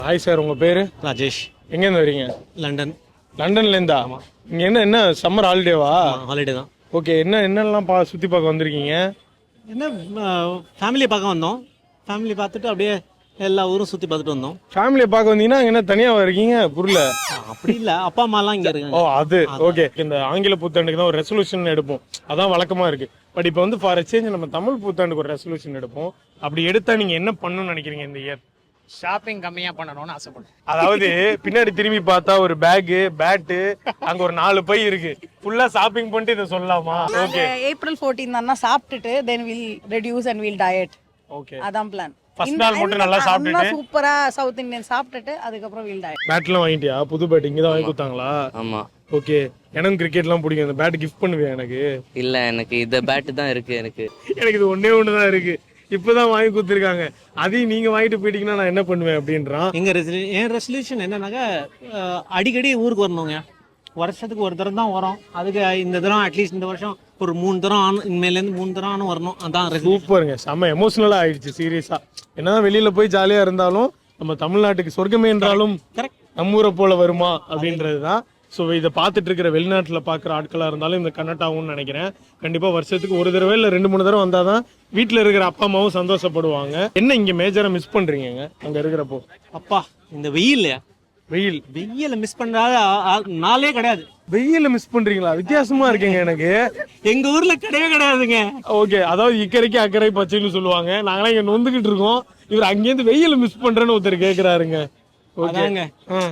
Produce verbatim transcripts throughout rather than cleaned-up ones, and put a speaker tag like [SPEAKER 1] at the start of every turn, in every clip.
[SPEAKER 1] Hi sir, உங்கள் பேர்?
[SPEAKER 2] ராஜேஷ்.
[SPEAKER 1] எங்கேருந்து வரீங்க?
[SPEAKER 2] லண்டன்.
[SPEAKER 1] லண்டன்லேருந்தா? இங்கே என்ன என்ன சம்மர் ஹாலிடேவா?
[SPEAKER 2] ஹாலிடே தான்.
[SPEAKER 1] ஓகே, என்ன என்னெல்லாம் பா சுற்றி பார்க்க வந்திருக்கீங்க?
[SPEAKER 2] என்ன ஃபேமிலியை பார்க்க வந்தோம். ஃபேமிலி பார்த்துட்டு அப்படியே எல்லா ஊரும் சுற்றி பார்த்துட்டு வந்தோம்.
[SPEAKER 1] ஃபேமிலியை பார்க்க வந்தீங்கன்னா என்ன தனியாக இருக்கீங்க? புரியல.
[SPEAKER 2] அப்படி இல்லை, அப்பா அம்மாலாம் இங்கே இருக்காங்க.
[SPEAKER 1] ஓ அது ஓகே. இந்த ஆங்கில புத்தாண்டுக்கு தான் ஒரு ரெசல்யூஷன் எடுப்போம், அதான் வழக்கமாக இருக்குது. பட் இப்போ வந்து ஃபார் சேஞ்ச் நம்ம தமிழ் புத்தாண்டுக்கு ஒரு ரெசல்யூஷன் எடுப்போம். அப்படி எடுத்தால் நீங்கள் என்ன பண்ணணும்னு நினைக்கிறீங்க இந்த இயர்?
[SPEAKER 3] ஷாப்பிங் கம்மியா பண்ணணும்னு ஆசைப்படுறேன்.
[SPEAKER 1] அதாவது பின்னாடி திரும்பி பார்த்தா ஒரு பேக்கு, பேட்டு, அங்க ஒரு நாலு பை இருக்கு. ஃபுல்லா ஷாப்பிங் பண்ணிட்டு இதை சொல்லலாமா? ஓகே.
[SPEAKER 4] ஏப்ரல் பதினான்கு தான சாப்பிட்டுட்டு then will reduce and will diet.
[SPEAKER 1] Okay,
[SPEAKER 4] அதான் பிளான்.
[SPEAKER 1] ஃபர்ஸ்ட் நாள் மட்டும் நல்லா சாப்பிட்டுட்டு
[SPEAKER 4] சூப்பரா சவுத் இந்தியன் சாப்பிட்டுட்டு அதுக்கப்புறம் வில் டயட்.
[SPEAKER 1] பேட்லாம் வாங்கிட்டியா? புது பேட் இங்க தான் வாங்கி கொடுத்தாங்களா?
[SPEAKER 5] ஆமா.
[SPEAKER 1] ஓகே, எனக்கு கிரிக்கெட்லாம் பிடிக்கும். இந்த பேட் கிஃப்ட் பண்ணுவேன் எனக்கு?
[SPEAKER 5] இல்ல, எனக்கு இந்த பேட் தான் இருக்கு. எனக்கு
[SPEAKER 1] எனக்கு இது ஒன்னே ஒன்று தான் இருக்கு, இப்பதான் வாங்கி கொடுத்துருக்காங்க. அதையும் நீங்க வாங்கிட்டு போயிட்டீங்கன்னா நான் என்ன பண்ணுவேன் அப்படின்றான்.
[SPEAKER 2] எங்கள் ரெசல்யூ என் ரெசல்யூஷன் என்னன்னாக்கா அடிக்கடி ஊருக்கு வரணுங்க. வருஷத்துக்கு ஒரு தரம் தான் வரோம். அதுக்கு இந்த தரம் அட்லீஸ்ட் இந்த வருஷம் ஒரு மூணு தரம் ஆனும், இனிமேலேருந்து மூணு தரம் ஆனும் வரணும். அதான்
[SPEAKER 1] சூப்பருங்க, செம்ம எமோஷனலா ஆயிடுச்சு சீரியஸா. என்னதான் வெளியில போய் ஜாலியா இருந்தாலும் நம்ம தமிழ்நாட்டுக்கு சொர்க்கமே என்றாலும் நம்ம ஊரை போல வருமா அப்படின்றதுதான். ஸோ இதை பார்த்துட்டு இருக்கிற வெளிநாட்டில் பார்க்குற ஆட்களாக இருந்தாலும் இந்த கனெக்ட் ஆகும்னு நினைக்கிறேன். கண்டிப்பாக வருஷத்துக்கு ஒரு தடவை இல்லை ரெண்டு மூணு தடவை வந்தால் தான் வீட்டில் இருக்கிற அப்பா அம்மாவும் சந்தோஷப்படுவாங்க. என்ன இங்கே மேஜராக மிஸ் பண்ணுறீங்க அங்கே இருக்கிறப்போ?
[SPEAKER 2] அப்பா, இந்த வெயில்
[SPEAKER 1] வெயில்
[SPEAKER 2] வெயில மிஸ் பண்ணுறாத நாளே கிடையாது.
[SPEAKER 1] வெயில மிஸ் பண்றீங்களா? வித்தியாசமா இருக்கீங்க எனக்கு.
[SPEAKER 2] எங்க ஊர்ல கிடையவே கிடையாதுங்க.
[SPEAKER 1] ஓகே, அதாவது இக்கரைக்கு அக்கறை பச்சைன்னு சொல்லுவாங்க. நாங்களாம் இங்க நொந்துகிட்டு இருக்கோம். இவர் அங்கேருந்து வெயில மிஸ் பண்றேன்னு ஒருத்தர் கேட்கிறாருங்க.
[SPEAKER 2] ஓகேங்க,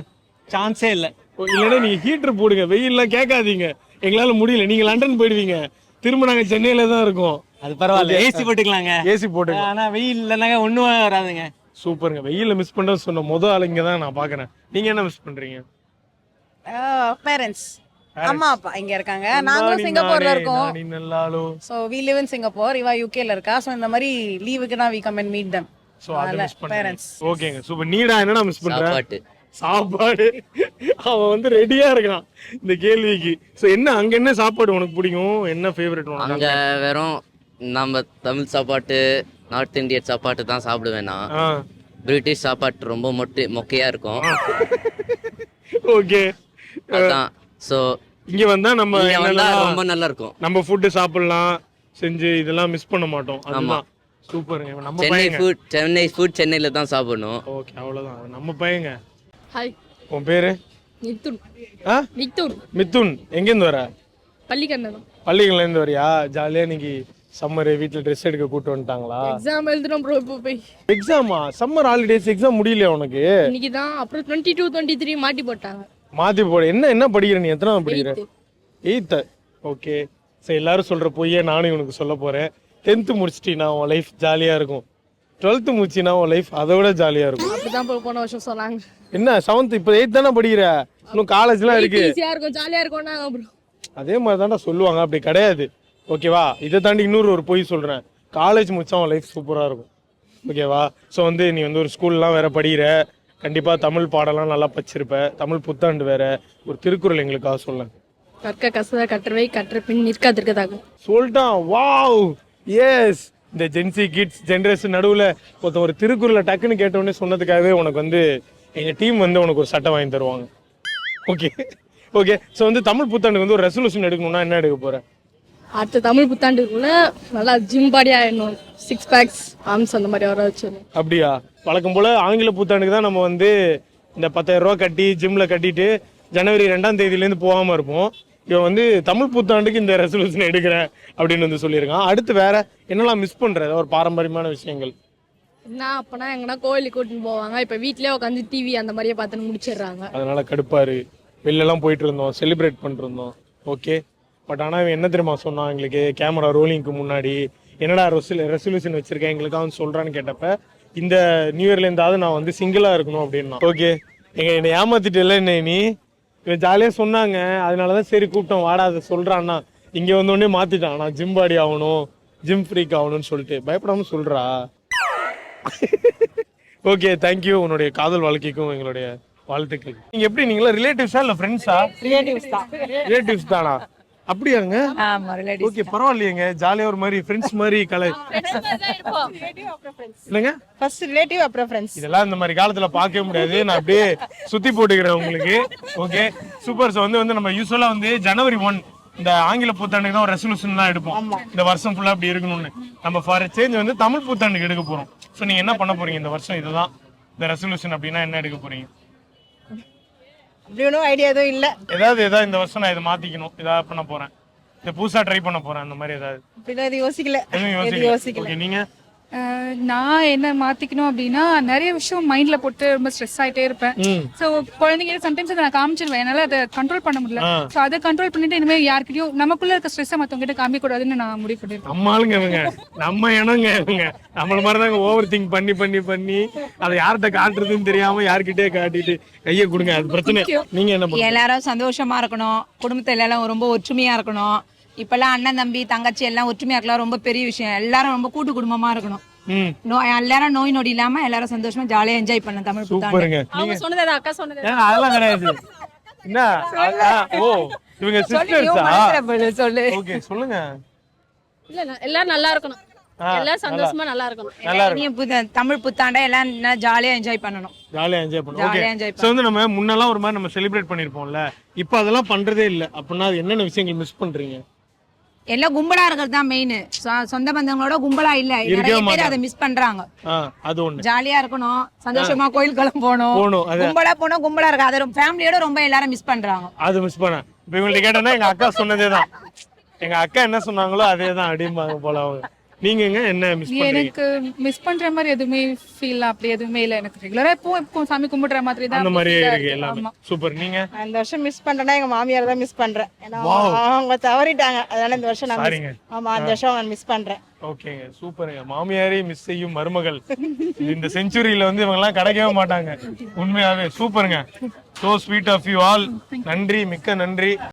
[SPEAKER 2] சான்ஸே இல்லை.
[SPEAKER 1] இல்லைன்னா நீங்க ஹீட்டர் போடுங்க, வெயில்லாம் கேட்காதீங்க. எங்களால முடியல, நீங்க லண்டன் போயிடுவீங்க, திரும்ப நாங்க சென்னையில தான் இருக்கோம்.
[SPEAKER 2] அது பரவாயில்ல, ஏசி போட்டுக்கலாங்க.
[SPEAKER 1] ஏசி போட்டுங்க.
[SPEAKER 2] ஆனா வெயில் இல்லைனாங்க ஒண்ணும் வராதுங்க.
[SPEAKER 1] சூப்பருங்க. வெயில மிஸ் பண்றது சொன்ன முதல் ஆளுங்க தான் நான் பாக்குறேன். நீங்க என்ன மிஸ் பண்றீங்க?
[SPEAKER 4] பேரண்ட்ஸ், அம்மா அப்பா இங்க இருக்காங்க. நாங்களும் சிங்கப்பூர்ல இருக்கோம். So we live in Singapore. இவா யூகேல இருக்கா. சோ இந்த மாதிரி லீவுக்கு தான் we come and meet them.
[SPEAKER 1] So அத மிஸ் பண்றேன். ஓகேங்க, சூப்பர். நீடா என்னடா மிஸ் பண்ற?
[SPEAKER 5] சாப்பாடு.
[SPEAKER 1] சாப்பாடு. அவன் வந்து ரெடியா இருக்கான் இந்த கேள்விக்கு. சோ என்ன அங்க என்ன சாப்பாடு உனக்கு பிடிக்கும்? என்ன ஃபேவரட் உனக்கு?
[SPEAKER 5] அங்க வெறும் நம்ம தமிழ் சாப்பாட்டு, நார்த் இந்தியன் சாப்பாட்டு தான் சாப்பிடுவேன் நான். பிரிட்டிஷ் சாப்பாட்டு ரொம்ப மொட்டை மொக்கையா இருக்கும்.
[SPEAKER 1] ஓகே,
[SPEAKER 5] அதான். சோ
[SPEAKER 1] இங்க வந்தா நம்ம
[SPEAKER 5] ரொம்ப நல்லா இருக்கும்.
[SPEAKER 1] நம்ம ஃபுட் சாப்பிடலாம், செஞ்சு இதெல்லாம் மிஸ் பண்ண மாட்டோம். அதுதான் சூப்பர். நம்ம
[SPEAKER 5] சென்னை ஃபுட் சென்னை ஃபுட் சென்னையில தான் சாப்பிடணும்.
[SPEAKER 1] ஓகே, அவ்வளவுதான். நம்ம பையங்க.
[SPEAKER 6] ஹாய்,
[SPEAKER 1] உன் பேரு?
[SPEAKER 6] மித்துன்.
[SPEAKER 1] ஆ,
[SPEAKER 6] மித்துன்.
[SPEAKER 1] மித்துன். எங்கேருந்து வர?
[SPEAKER 6] பள்ளிக்கண்ணன்.
[SPEAKER 1] பள்ளிகள்ல இருந்து வரியா? ஜாலியா இன்னைக்கு சம்மர் வீட்ல ட்ரெஸ் எடுக்க கூட்டு வந்துட்டாங்களா?
[SPEAKER 6] எக்ஸாம் எழுதுறோம் ப்ரோ. இப்போ போய்
[SPEAKER 1] எக்ஸாமா? சம்மர் ஹாலிடேஸ் எக்ஸாம் முடியலையா உனக்கு?
[SPEAKER 6] இன்னைக்கு தான். அப்புறம் டுவெண்ட்டி டூ டுவெண்ட்டி த்ரீ மாட்டி போட்டாங்க.
[SPEAKER 1] மாத்தி போட. என்ன என்ன படிக்கிற நீ? எத்தனாவது படிக்கிற? எயித்து. ஓகே. சரி, எல்லாரும் சொல்ற பொய்யே நானும் இவனுக்கு சொல்ல போறேன். டென்த்து முடிச்சிட்டீங்கன்னா உன் லைஃப் ஜாலியா இருக்கும். டுவெல்த்து முடிச்சினா உன் லைஃப் அதை விட ஜாலியா இருக்கும்.
[SPEAKER 6] அப்படிதான் போன வருஷம் சொன்னாங்க.
[SPEAKER 1] என்ன செவன்த் இப்போ எயித் தானே படிக்கிற? இன்னும் காலேஜ்லாம் இருக்கு.
[SPEAKER 6] ஈஸியா இருக்கும், ஜாலியா இருக்கும்னாங்க ப்ரோ.
[SPEAKER 1] அதே மாதிரி தான்டா சொல்லுவாங்க, அப்படி கிடையாது. ஓகேவா? இதை தாண்டி இன்னொரு ஒரு பொய் சொல்றேன். காலேஜ் முடிச்சா உன் லைஃப் சூப்பரா இருக்கும். ஓகேவா? ஸோ வந்து நீ வந்து ஒரு ஸ்கூல்லாம் வேற படிக்கிற, கண்டிப்பா தமிழ் பாடலாம் நல்லா படிச்சிருப்ப. தமிழ் புத்தாண்டு வேற. ஒரு திருக்குறள் எங்களுக்காக சொல்ல.
[SPEAKER 6] கற்க கசத கற்றவை கற்ற பின் நிற்காதிருக்கதாக
[SPEAKER 1] சொல்லிட்டான். Wow, yes. இந்த ஜென்சி கிட்ஸ் ஜென்ரேஷன் நடுவில் ஒருத்தன் ஒரு திருக்குறளை டக்குன்னு கேட்டோடனே சொன்னதுக்காகவே உனக்கு வந்து எங்கள் டீம் வந்து உனக்கு ஒரு சட்டை வாங்கி தருவாங்க. Okay okay. ஸோ வந்து தமிழ் புத்தாண்டுக்கு வந்து ஒரு ரெசல்யூஷன் எடுக்கணும்னா என்ன எடுக்க போகிறேன்?
[SPEAKER 6] அடுத்த தமிழ் புத்தாண்டுக்குள்ள நல்லா ஜிம் பாடி ஆயிடணும். சிக்ஸ் பேக்ஸ், ஆர்ம்ஸ் அந்த மாதிரி வர வச்சிடணும்.
[SPEAKER 1] அப்படியா? வழக்கம் போல் ஆங்கில புத்தாண்டுக்கு தான் நம்ம வந்து இந்த பத்தாயிரம் ரூபா கட்டி ஜிம்மில் கட்டிட்டு ஜனவரி ரெண்டாம் தேதியிலேருந்து போகாமல் இருப்போம். இவன் வந்து தமிழ் புத்தாண்டுக்கு இந்த ரெசல்யூஷன் எடுக்கிறேன் அப்படின்னு வந்து சொல்லியிருக்கான். அடுத்து வேற என்னெல்லாம் மிஸ் பண்ற? ஒரு பாரம்பரியமான விஷயங்கள்
[SPEAKER 6] என்ன? அப்பனா எங்கன்னா கோயிலுக்கு கூட்டின்னு போவாங்க. இப்போ வீட்லயே உட்காந்து டிவி அந்த மாதிரியே பார்த்துன்னு முடிச்சிடுறாங்க.
[SPEAKER 1] அதனால கடுப்பாரு. வெளிலலாம் போயிட்டு இருந்தோம், செலிப்ரேட் பண்ணிருந்தோம். ஓகே. பட் ஆனால் இவன் என்ன தெரியுமா சொன்னான் எங்களுக்கு கேமரா ரோலிங்க்கு முன்னாடி? என்னடா ரெசல் ரெசல்யூஷன் வச்சிருக்கேன் எங்களுக்கு அவன் சொல்றான்னு கேட்டப்ப, இந்த நியூ இயர்ல இருந்தாவது நான் வந்து சிங்கிளா இருக்கணும் அப்படின்னா. ஓகே, எங்க என்னை ஏமாத்திட்டு இல்லை என்ன நீ? இவன் ஜாலியாக சொன்னாங்க, அதனால தான் சரி கூப்பிட்டோம், வாடா அதை சொல்கிறான்னா. இங்கே வந்தோடனே மாற்றிட்டான், நான் ஜிம் பாடி ஆகணும், ஜிம் ஃப்ரீக் ஆகணும்னு சொல்லிட்டு. பயப்படாமல் சொல்கிறா. Okay, thank you. உன்னுடைய காதல் வாழ்க்கைக்கும் எங்களுடைய வாழ்த்துக்கள். நீங்கள் எப்படி, நீங்களா ரிலேட்டிவ்ஸா இல்லை ஃப்ரெண்ட்ஸா?
[SPEAKER 4] ரிலேட்டிவ்ஸ் தான்.
[SPEAKER 1] ரிலேட்டிவ்ஸ் தானா? அப்படியாங்க?
[SPEAKER 4] ஆமா ரிலேட்டிவ்ஸ்
[SPEAKER 1] ஓகே, பரவாயில்லையேங்க. ஜாலியா ஒரு மாதிரி ஃப்ரெண்ட்ஸ் மாதிரி கலை இல்லைங்க.
[SPEAKER 4] ஃபர்ஸ்ட் ரிலேட்டிவ் அப்புறம் ஃப்ரெண்ட்ஸ்.
[SPEAKER 1] இதெல்லாம் இந்த மாதிரி காலத்துல பார்க்கவே முடியாது. நான் அப்படியே சுத்தி போட்டுக்கிறேன் உங்களுக்கு. Okay super. ஸோ வந்து வந்து நம்ம யூஸ்வலா வந்து ஜனவரி ஒன் இந்த ஆங்கில புத்தாண்டுக்கு தான் ஒரு ரெசல்யூஷன் தான் எடுப்போம். இந்த வருஷம் ஃபுல்லா அப்படி இருக்கணும்னு. நம்ம ஃபார் சேஞ்ச் வந்து தமிழ் புத்தாண்டுக்கு எடுக்க போறோம். ஸோ நீங்க என்ன பண்ண போறீங்க இந்த வருஷம்? இதுதான் இந்த ரெசல்யூஷன் அப்படின்னா என்ன எடுக்க போறீங்க?
[SPEAKER 4] அப்படி ஒன்றும் ஐடியா எதுவும் இல்லை.
[SPEAKER 1] ஏதாவது ஏதாவது இந்த வருஷம் நான் இதை மாத்திக்கணும், ஏதாவது பண்ண போறேன், இதை புதுசா ட்ரை பண்ண போறேன், அந்த மாதிரி ஏதாவது
[SPEAKER 4] அப்படிலாம் எதுவும் யோசிக்கல.
[SPEAKER 1] எதுவும் யோசிக்கல. ஓகே நீங்க?
[SPEAKER 6] நான் என்ன மாத்திக்கணும் அப்படின்னா நிறைய விஷயம் மைண்ட்ல போட்டு ரொம்ப ஸ்ட்ரெஸ் ஆயிட்டே இருப்பேன். ஸோ குழந்தைங்க சம்டைம்ஸ் அதை நான் காமிச்சிருவேன், என்னால அதை கண்ட்ரோல் பண்ண முடியல. ஸோ அதை கண்ட்ரோல் பண்ணிட்டு இனிமேல் யாருக்கிட்டையும் நமக்குள்ள இருக்க ஸ்ட்ரெஸ்ஸை மற்றவங்க கிட்ட காமிக்க கூடாதுன்னு நான் முடிவு பண்ணிருக்கேன்.
[SPEAKER 1] நம்ம ஆளுங்க இவங்க, நம்ம இனங்க இவங்க. நம்மள மாதிரி தாங்க ஓவர் திங்க் பண்ணி பண்ணி பண்ணி அதை யார்கிட்ட காட்டுறதுன்னு தெரியாம யார்கிட்டயே காட்டிட்டு கையை கொடுங்க, அது பிரச்சனை. நீங்க என்ன பண்ணுங்க?
[SPEAKER 7] எல்லாரும் சந்தோஷமா இருக்கணும், குடும்பத்துல எல்லாரும் ரொம்ப ஒற்றுமையா இருக்கணும். இப்பெல்லாம் அண்ணன் தம்பி தங்கச்சி எல்லாம் ஒற்றுமையா இருக்கலாம், ரொம்ப பெரிய விஷயம். எல்லாரும் ரொம்ப கூட்டு குடும்பமா இருக்கணும். நோய் எல்லாரும் நோய் நொடி இல்லாம எல்லாரும் சந்தோஷமா ஜாலியா என்ஜாய் பண்ண தமிழ் புத்தாண்டு.
[SPEAKER 1] சூப்பருங்க.
[SPEAKER 6] அவங்க சொன்னது அக்கா சொன்னது
[SPEAKER 1] ஏங்க அதெல்லாம் கிடையாது. என்ன அதான், ஓ இவங்க சிஸ்டர்ஸா?
[SPEAKER 7] சொல்லு.
[SPEAKER 1] ஓகே சொல்லுங்க.
[SPEAKER 6] இல்ல இல்ல, எல்லாரும் நல்லா இருக்கணும், எல்லாரும் சந்தோஷமா நல்லா இருக்கணும்.
[SPEAKER 1] நல்லா இருக்கு.
[SPEAKER 7] இனிய புத்த- தமிழ் புத்தாண்டை எல்லாம் ஜாலியா என்ஜாய் பண்ணணும்.
[SPEAKER 1] ஜாலியா என்ஜாய் பண்ணுவோம். ஓகே
[SPEAKER 7] ஜாலியா enjoy
[SPEAKER 1] சோ வந்து நம்ம முன்னெல்லாம் ஒரு மாதிரி நம்ம செலிப்ரேட் பண்ணிருப்போம்ல, இப்போ அதெல்லாம் பண்றதே இல்ல. அப்படின்னா அது என்னென்ன விஷயங்கள் மிஸ் பண்றீங்க?
[SPEAKER 7] எல்லாம் கும்பலா இருக்கிறது தான் மெயின். சொந்த பந்தங்களோட கும்பலா இல்ல, நிறைய பேர் அதை மிஸ் பண்றாங்க.
[SPEAKER 1] ஆ அது ஒண்ணு.
[SPEAKER 7] ஜாலியா இருக்கணும், சந்தோஷமா கோயிலுக்கெல்லாம் போகணும்.
[SPEAKER 1] போகணும், அது
[SPEAKER 7] கும்பலா போனா கும்பலா இருக்கு, அதை ஃபேமிலியோட ரொம்ப எல்லாரும் மிஸ் பண்றாங்க.
[SPEAKER 1] அது மிஸ் பண்ண. இப்போ இவங்கள்ட்ட கேட்டேன்னா எங்க அக்கா சொன்னதே தான், எங்க அக்கா என்ன சொன்னாங்களோ அதே தான் அப்படிம்பாங்க போல அவங்க. நீங்கங்க என்ன மிஸ் பண்றீங்க?
[SPEAKER 6] எனக்கு மிஸ் பண்ற மாதிரி எதுவுமே ஃபீல் அப்படி எதுவுமே இல்ல. எனக்கு ரெகுலரா இப்போ இப்போ சாமி கும்பிடுற மாதிரி தான்
[SPEAKER 1] அந்த மாதிரி
[SPEAKER 6] feel ஆ
[SPEAKER 1] இருக்கு
[SPEAKER 6] இருக்கு.
[SPEAKER 1] எல்லாமே.
[SPEAKER 6] ஆமா.
[SPEAKER 1] சூப்பர். நீங்க?
[SPEAKER 4] இந்த வருஷம் மிஸ் பண்றேன்னா எங்க மாமியார் தான் மிஸ் பண்றேன். ஏன்னா அவங்க தவறிட்டாங்க, அதனால இந்த வருஷம் நான்
[SPEAKER 1] சாரிங்க.
[SPEAKER 4] miss- ஆமா இந்த வருஷம் நான் மிஸ் பண்றேன்.
[SPEAKER 1] ஓகேங்க சூப்பருங்க. மாமியாரே மிஸ் செய்யும் மருமகள் இந்த செஞ்சுரியில வந்து இவங்க எல்லாம் கிடைக்கவே மாட்டாங்க. உண்மையாவே சூப்பருங்க. So sweet of you all. நன்றி, மிக்க நன்றி.